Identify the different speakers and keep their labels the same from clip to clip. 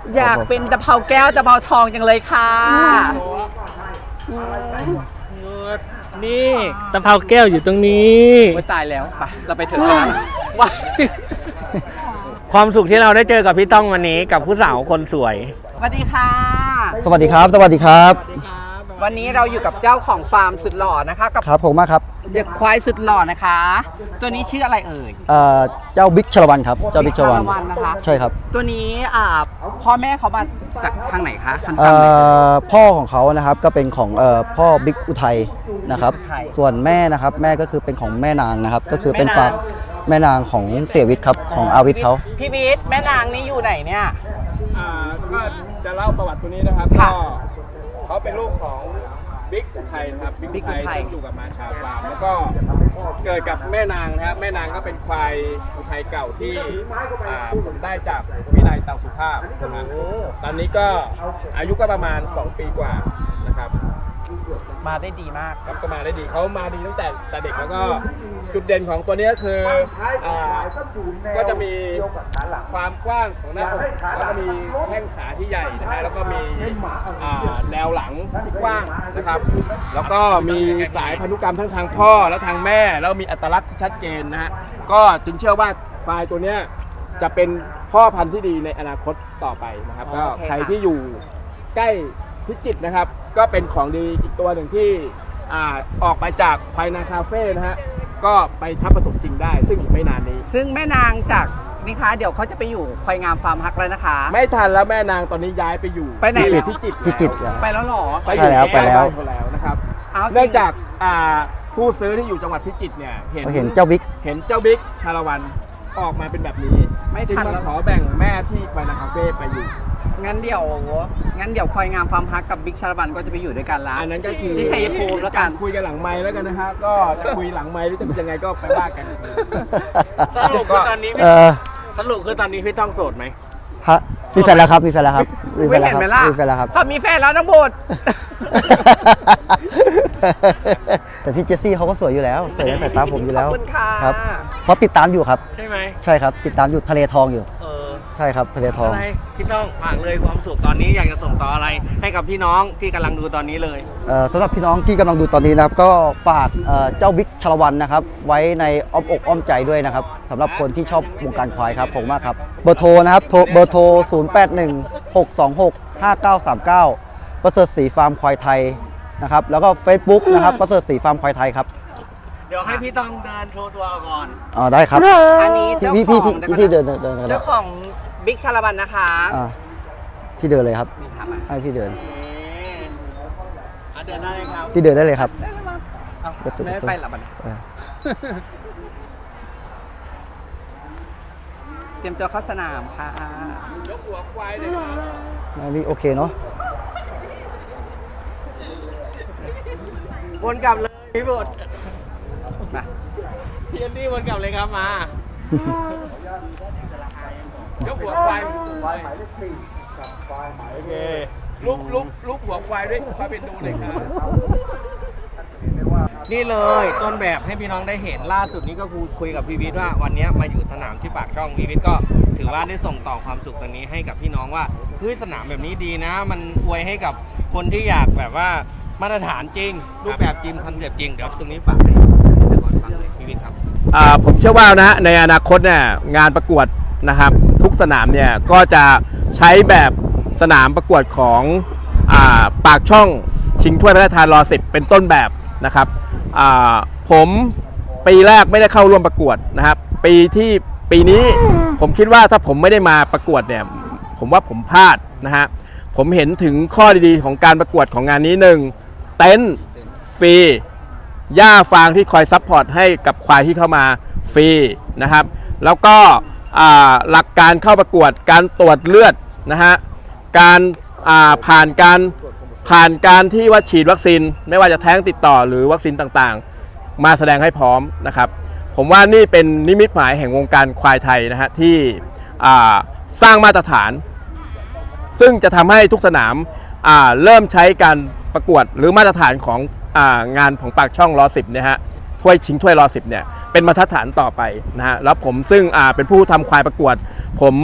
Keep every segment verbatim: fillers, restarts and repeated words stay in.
Speaker 1: อยากเป็นตะเภาแก้วตะเภาทองจังเลยค่ะ
Speaker 2: นี่ตะเภาแก้วอยู่ตรงนี้
Speaker 1: ไม่ตายแล้วไปเราไปเถอะกันว้า
Speaker 2: ความสุขที่เราได้เจอกับพี่ต้องวันนี้กับผู้สาวคนสวย
Speaker 1: สวัสดีค่ะ
Speaker 3: สวัสดีครับสวัสดีครับ
Speaker 1: วันนี้เราอยู่กับเจ้าของฟาร์มสุดหล่อนะคะกับ
Speaker 3: ครับผมมากครับ
Speaker 1: เด็กควายสุดหล่อนะคะ ตัวนี้ชื่ออะไรเอ่ย
Speaker 3: เอ่อเจ้าบิ๊กชลวันครับเจ้าบิ๊กชลวัน
Speaker 1: นะคะ
Speaker 3: ใช่ครับ
Speaker 1: ตัวนี้อ่าพ่อแม่เขามาจากทางไหนคะพันธุ์ไหน
Speaker 3: พ่อของเขานะครับก็เป็นของเอ่อพ่อบิ๊กอุทัยนะครับส่วนแม่นะครับแม่ก็คือเป็นของแม่นางนะครับก็คือเป็นฟาร์มแม่นางของเสียวิทย์ครับของอาวิทย์เขา
Speaker 1: พี่วิทย์แม่นางนี่อยู่ไหนเนี่ย
Speaker 4: อ่าก็จะเล่าประวัติตัวนี้นะครับก็เขาเป็นลูกของบิ๊กอุทัยนะครับบิ๊กอุทัยซึ่งอยู่กับมาชาฟาร์มแล้วก็เกิดกับแม่นางนะครับแม่นางก็เป็นควายอุทัยเก่าที่ผมได้จากวินัยเตาสุภาพนะครับตอนนี้ก็อายุก็ประมาณสองปีกว่านะครับ
Speaker 1: มาได้ดีมาก
Speaker 4: ครับก็มาได้ดีเขามาดีตั้งแต่แต่เด็กแล้วก็จุดเด่นของตัวนี้คืออ่าก็จะมีความกว้างของหน้าอกแล้วก็มีแข้งขาที่ใหญ่นะฮะแล้วก็มีอ่าแนวหลังที่กว้างนะครับแล้วก็มีสายพันธุกรรมทั้งทางพ่อและทางแม่แล้วมีอัตลักษณ์ที่ชัดเจนนะฮะก็จึงเชื่อว่าควายตัวนี้จะเป็นพ่อพันธุ์ที่ดีในอนาคตต่อไปนะครับก็ใครที่อยู่ใกล้พิจิตรนะครับก็เป็นของดีอีกตัวหนึ่งที่อ่าออกไปจากควายนาคาเฟ่นะฮะก็ไปทับผสมจริงได้ซึ่งอีกไม่นานนี้
Speaker 1: ซึ่งแม่นางจากนี่คะเดี๋ยวเขาจะไปอยู่ควายงามฟาร์มฮักแล้วนะคะ
Speaker 4: ไม่ทันแล้วแม่นางตอนนี้ย้ายไปอยู่
Speaker 1: ไปไหน
Speaker 4: พิจิตร
Speaker 3: พิจิตร
Speaker 1: ไปแล้วหรอ
Speaker 3: ไปแล้วไปแล้ว
Speaker 4: แล้วนะครับเนื่องจากอ่าผู้ซื้อที่อยู่จังหวัดพิจิตรเนี่ยเห็น
Speaker 3: เห็นเจ้าบิ๊ก
Speaker 4: เห็นเจ้าบิ๊กชาละวันออกมาเป็นแบบนี้ไม่ทันแล้วขอแบ่งแม่ที่ควายนาคาเฟ่ไปอยู่
Speaker 1: งั้นเดี๋ยวงั้นเดี๋ยวควายงามฟาร์มฮักกับบิ๊กชาละวันก็จะไปอยู่ด้วยกันแล้ว
Speaker 4: อันนั้นก็คือ
Speaker 1: ที่ชัยภูมิแล้วกัน
Speaker 4: คุยกันหลังไมค์แล้วกันนะฮะก็จะคุยหลังไมค์หรือจะยังไงก็ไปว่ากัน
Speaker 2: สรุปคือตอนนี้สรุปคือตอนนี้พี่ต้องโสดไหม
Speaker 3: ฮะมีแฟนแล้วครับมีแฟนแล้วครับ
Speaker 1: มีแฟนแล้วครับ
Speaker 3: มีแฟนแล้วครับ
Speaker 1: เขามีแฟนแล้วทั้งหมด
Speaker 3: แต่พี่เจสซี่เขาก็สวยอยู่แล้วสวยในสายตาผมอยู่แล้ว
Speaker 1: ครับ
Speaker 3: เพราะติดตามอยู่ครับ
Speaker 2: ใช่ไหม
Speaker 3: ใช่ครับติดตามอยู่ทะเลทองอยู่ใช่ครับทะเลทอง
Speaker 2: อะไรพี่ต้องฝากเลยความสุขตอนนี้อยากจะส่งต่ออะไรให้กับพี่น้องที่กำลังดูตอนนี้เลย
Speaker 3: สำหรับพี่น้องที่กำลังดูตอนนี้นะครับก็ฝากเจ้าบิ๊กชลวันนะครับไว้ในอ้อมอกอ้อมใจด้วยนะครับสำหรับคนที่ชอบวงการควายครับผมมากครับเบอร์โทรนะครับเบอร์โทรศูนย์ แปด หนึ่ง หก สอง หก ห้า เก้า สาม เก้าประเสริฐศรีฟาร์มควายไทยนะครับแล้วก็ Facebook นะครับประเสริฐศรีฟาร์มควายไทยครับ
Speaker 2: เดี๋ยวให้พี่ต้องเดินโชว์ตัวก่อน
Speaker 3: อ๋อได้ครับ
Speaker 1: อันนี้เจ้าของ
Speaker 3: พี่พี่เดินเดิน
Speaker 1: เจ้าของบิ๊กชาละวันนะคะ
Speaker 3: พี่เดินเลยครับให้พี่เดิน
Speaker 2: เดินได้เลยครับ
Speaker 3: พี่เดินได้เลยครับ
Speaker 1: ไม่ไปหรอบันเตรียมตัวเข้าสนามค่ะ
Speaker 4: ยกหัวควายเลยครับ
Speaker 3: นี่โอเคเนาะ
Speaker 2: วนกลับเลยพี่บุตรมาพี่อันดี้วนกลับเลยครับมาย
Speaker 4: กหัวควายควายหมายเลขสี่กับควายหมายโอเคลุกลุกลุกหัวควายด้วยควายเป็นดูเลยครับ
Speaker 2: นี่เลยต้นแบบให้พี่น้องได้เห็นล่าสุดนี้ก็คุยกับพี่วิทย์ว่าวันนี้มาอยู่สนามที่ปากช่องพี่วิทย์ก็ถือว่าได้ส่งต่อความสุขตรงนี้ให้กับพี่น้องว่าเฮ้ยสนามแบบนี้ดีนะมันอวยให้กับคนที่อยากแบบว่ามาตรฐานจริงรูปแบบจริงคอนเซ็ปต์จริงเดี๋ยวตรงนี้ฝากให้ฟังเลยพี่วิทย์ครับ
Speaker 4: ผมเชื่อว่านะในอนาคตเนี่ยงานประกวดนะครับทุกสนามเนี่ยก็จะใช้แบบสนามประกวดของอ่าปากช่องชิงถ้วยพระราชทานรอสิบเป็นต้นแบบนะครับผมปีแรกไม่ได้เข้าร่วมประกวดนะครับปีที่ปีนี้ผมคิดว่าถ้าผมไม่ได้มาประกวดเนี่ยผมว่าผมพลาดนะฮะผมเห็นถึงข้อดีๆของการประกวดของงานนี้หนึ่งเต็นท์ฟรีหญ้าฟางที่คอยซัพพอร์ตให้กับควายที่เข้ามาฟรีนะครับแล้วก็หลักการเข้าประกวดการตรวจเลือดนะฮะการผ่านการผ่านการที่ว่าฉีดวัคซีนไม่ว่าจะแท้งติดต่อหรือวัคซีนต่างๆมาแสดงให้พร้อมนะครับผมว่านี่เป็นนิมิตหมายแห่งวงการควายไทยนะฮะที่สร้างมาตรฐานซึ่งจะทำให้ทุกสนามเริ่มใช้การประกวดหรือมาตรฐานของงานของปากช่องรอสิบเนี่ยฮะถ้วยชิงถ้วยรอสิบเนี่ยเป็นมาตรฐานต่อไปนะฮะแล้วผมซึ่งเป็นผู้ทำควายประกวดผม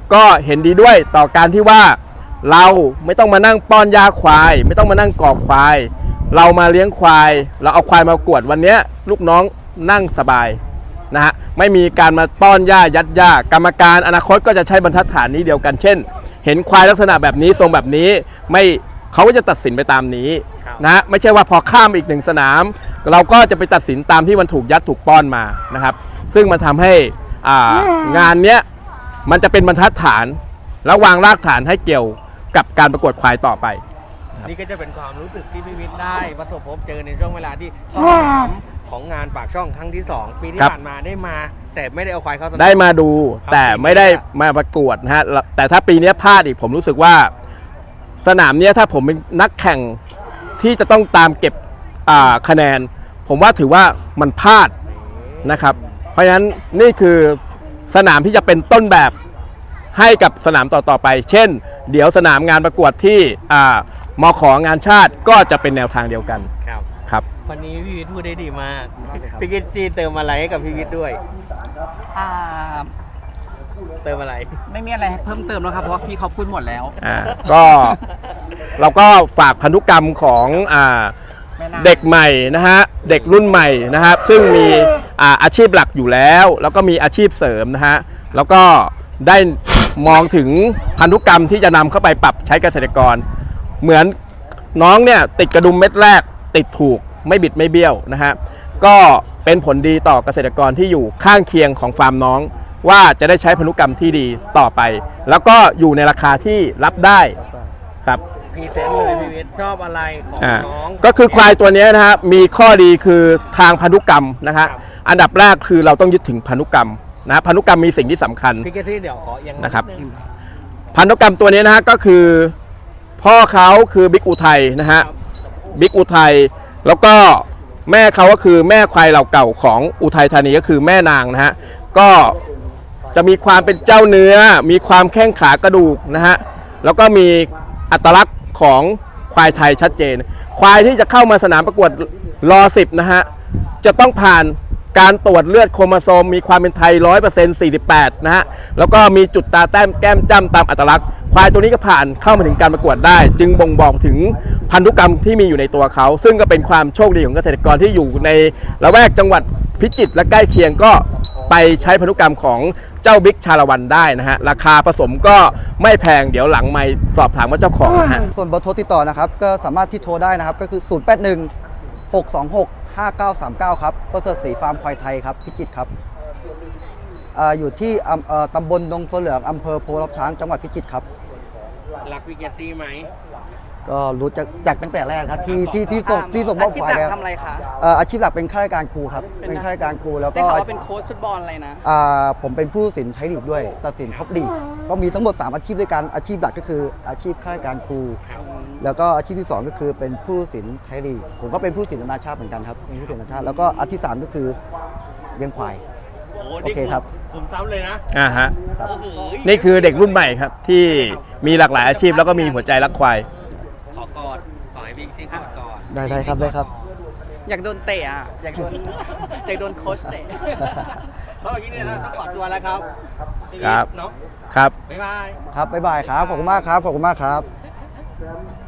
Speaker 4: ก็เห็นดีด้วยต่อการที่ว่าเราไม่ต้องมานั่งป้อนยาควาย ไม่ต้องมานั่งกรอกควาย เรามาเลี้ยงควาย เราเอาควายมากวดวันนี้ลูกน้องนั่งสบายนะฮะไม่มีการมาป้อนหญ้ายัดหญ้ากรรมการอนาคตก็จะใช้บรรทัดฐานนี้เดียวกันเช่น เห็นควายลักษณะแบบนี้ทรงแบบนี้ไม่เขาก็จะตัดสินไปตามนี้นะฮะไม่ใช่ว่าพอข้ามอีกหนึ่งสนาม เราก็จะไปตัดสินตามที่มันถูกยัดถูกป้อนมานะครับซึ่งมันทำให้อ่างานเนี้ยมันจะเป็นบรรทัดฐานแล้ววางรากฐานให้เกี่ยวกับการประกวดควายต่อไป
Speaker 2: นี่ก็จะเป็นความรู้สึกที่พี่วิทย์ได้ประสบพบเจอในช่วงเวลาที่สนามของงานปากช่องครั้งที่สองปีที่
Speaker 4: ครับ
Speaker 2: ผ่านมาได้มา แต่ไม่ได้เอาควายเข้าสนาม
Speaker 4: ได้มาดู
Speaker 2: ครับ
Speaker 4: แต่ไม่ได้มาประกวดนะฮะแต่ถ้าปีนี้พลาดอีกผมรู้สึกว่าสนามเนี้ยถ้าผมเป็นนักแข่งที่จะต้องตามเก็บอ่าคะแนน ผมว่าถือว่ามันพลาดนะครับ เพราะฉะนั้นนี่คือสนามที่จะเป็นต้นแบบให้กับสนามต่อๆไป เช่น เดี๋ยวสนามงานประกวดที่อ่ามของานชาติก็จะเป็นแนวทางเดียวกัน
Speaker 2: ครับ
Speaker 4: ครับ
Speaker 2: วันนี้พี่วิทย์พูดได้ดีมากพี่กิตจีเติมอะไรให้กับพี่วิทย์ด้วย
Speaker 1: อ่า
Speaker 2: เติมอะไร
Speaker 1: ไม่มีอะไรให้เพิ่มเติมแล้วครับเพราะว่าพี่เขาพูดหมดแล้ว
Speaker 4: อ่าก็เราก็ฝากพันธุกรรมของอ่า
Speaker 1: แม่นาค
Speaker 4: เด็กใหม่นะฮะเด็กรุ่นใหม่นะครับซึ่งมีอ่าอาชีพหลักอยู่แล้ว แล้วก็มีอาชีพเสริมนะฮะแล้วก็ได้มองถึงพันธุกรรมที่จะนำเข้าไปปรับใช้เกษตรกร เหมือนน้องเนี่ยติดกระดุมเม็ดแรกติดถูกไม่บิดไม่เบี้ยวนะฮะก็เป็นผลดีต่อเกษตรกรที่อยู่ข้างเคียงของฟาร์มน้อง ว่าจะได้ใช้พันธุกรรมที่ดีต่อไป แล้วก็อยู่ในราคาที่รับได้ครับ
Speaker 2: พรีเซนต์เลยพี่วิทย์ชอบอะไรของ
Speaker 4: อ่า
Speaker 2: น้อง
Speaker 4: ก็คือควายตัวเนี้ยนะฮะมีข้อดีคือทางพันธุกรรมนะฮะอันดับแรกคือเราต้องยึดถึงพันธุกรรมนะพันธุกรรมมีสิ่งที่สำคัญ
Speaker 2: พี่กิตจีเดี๋ยวขอเอียง
Speaker 4: นะครับ
Speaker 2: ดง
Speaker 4: พันธุกรรมตัวนี้นะฮะก็คือพ่อเขาคือบิ๊กอุทัยนะฮะบิ๊กอุทัยแล้วก็แม่เขาก็คือแม่ควายเหล่าเก่าของอุทัยธานีก็คือแม่นางนะฮะก็จะมีความเป็นเจ้าเนื้อ มีความแข้งขากระดูกนะฮะแล้วก็มีอัตลักษณ์ของควายไทยชัดเจน ควายที่จะเข้ามาสนามประกวดรอสิบนะฮะจะต้องผ่านการตรวจเลือดโครโมโซมมีความเป็นไทย ร้อยเปอร์เซ็นต์ สี่สิบแปด นะฮะแล้วก็มีจุดตาแต้มแก้มจ้ำตามอัตลักษณ์ควายตัวนี้ก็ผ่านเข้ามาถึงการประกวดได้ จึงบ่งบอกถึงพันธุกรรมที่มีอยู่ในตัวเขา ซึ่งก็เป็นความโชคดีของเกษตรกรที่อยู่ในละแวกจังหวัดพิจิตรและใกล้เคียงก็ไปใช้พันธุกรรมของเจ้าบิ๊กชาละวันได้นะฮะราคาผสมก็ไม่แพงเดี๋ยวหลังไม่สอบถามว่าเจ้าของนะฮะ
Speaker 3: ส่วนเบอร์โทรติดต่อนะครับก็สามารถที่โทรได้นะครับก็คือ ศูนย์ แปด หนึ่ง หก สอง หก ห้า เก้า สาม เก้า ครับประเสริฐศรีฟาร์มควายไทยครับพิจิตรครับอาอยู่ที่อำเอ่อตำบลดงโซเหลืองอำเภอโพรับช้างจังหวัดพิจิตรครับ
Speaker 2: รักพี่กิตจีไหม
Speaker 3: ก็รู้จักจากตั้งแต่แรกครับที่ที่ที่ส่งที่ส่งมอบ
Speaker 1: อาชีพ
Speaker 3: ควาย
Speaker 1: หลัก
Speaker 3: ครับ
Speaker 1: ทำอะไรคะ
Speaker 3: เอ่ออาชีพหลักเป็นข้าราชการครูครับ
Speaker 1: เป็น
Speaker 3: เป็นข้าราชการครูแล้ว
Speaker 1: ได้
Speaker 3: ก็
Speaker 1: ข่าวว่าเป็นโค้ชฟุตบอลอะไรนะ
Speaker 3: อ่าผมเป็นผู้ตัดสินไทยลีกด้วยตัดสินท็อปลีกก็มีทั้งหมดสามอาชีพด้วยกันอาชีพหลักก็คืออาชีพข้าราชการครู แล้วก็อาชีพที่สองก็คือเป็นผู้ตัดสินไทยลีกผมก็เป็นผู้ตัดสินนานาชาติเหมือนกันครับเป็นผู้ตัดสินนานาชาติแล้วก็อาชีพที่สามก็คือเลี้ยงควาย
Speaker 2: โอ้
Speaker 3: โอเคครับ
Speaker 2: ผมซ้ำเลยนะ
Speaker 4: อ่าฮะ
Speaker 3: ครับ
Speaker 2: โอ้โห
Speaker 4: นี่คือเด็กรุ่นใหม่ครับที่มีหลากหลายอาชีพแล้วก็มีหัวใจรักควาย
Speaker 2: ขอกอดขอให้พี่กิตจีกอดก่อน
Speaker 3: ได้ได้ครับได้ครับ
Speaker 1: อยากโดนเตะอ่ะอยากโดน อยากโดนโค้ชเตะ
Speaker 2: เพราะเมื่อกี้เนี่ยเราต้องขอตัวแล้วครับพี่วิทย์
Speaker 4: ครับ
Speaker 2: เนาะ
Speaker 4: ครับ
Speaker 2: บ๊ายบาย
Speaker 3: ครับบ๊ายบายครับขอบคุณมากครับขอบคุณมากครับ